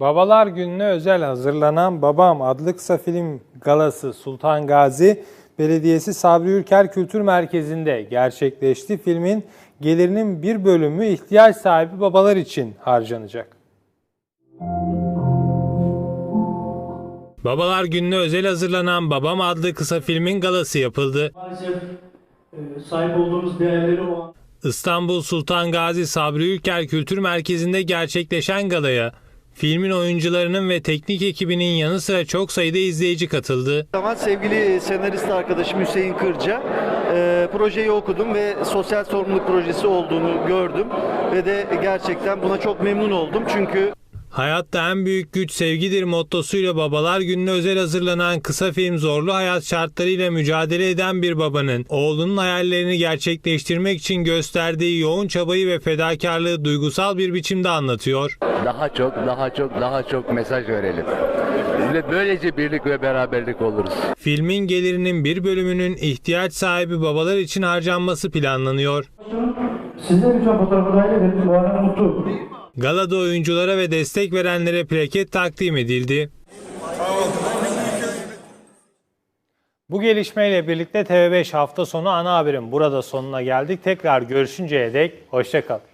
Babalar Günü'ne özel hazırlanan Babam adlı kısa film galası Sultan Gazi Belediyesi Sabri Ülker Kültür Merkezi'nde gerçekleşti. Filmin gelirinin bir bölümü ihtiyaç sahibi babalar için harcanacak. Babalar Günü'ne özel hazırlanan Babam adlı kısa filmin galası yapıldı. Maalesef sahip olduğumuz değerleri o an İstanbul Sultan Gazi Sabri Ülker Kültür Merkezi'nde gerçekleşen galaya filmin oyuncularının ve teknik ekibinin yanı sıra çok sayıda izleyici katıldı. Sevgili senarist arkadaşım Hüseyin Kırca, projeyi okudum ve sosyal sorumluluk projesi olduğunu gördüm ve de gerçekten buna çok memnun oldum çünkü Hayatta en büyük güç sevgidir mottosuyla Babalar Günü'ne özel hazırlanan kısa film zorlu hayat şartlarıyla mücadele eden bir babanın oğlunun hayallerini gerçekleştirmek için gösterdiği yoğun çabayı ve fedakarlığı duygusal bir biçimde anlatıyor. Daha çok mesaj verelim. Böylece birlik ve beraberlik oluruz. Filmin gelirinin bir bölümünün ihtiyaç sahibi babalar için harcanması planlanıyor. sizler lütfen fotoğrafı dahil edelim. Bu arada mutlu. Galada oyunculara ve destek verenlere plaket takdim edildi. Bu gelişmeyle birlikte TV5 hafta sonu ana haberin burada sonuna geldik. Tekrar görüşünceye dek hoşça kalın.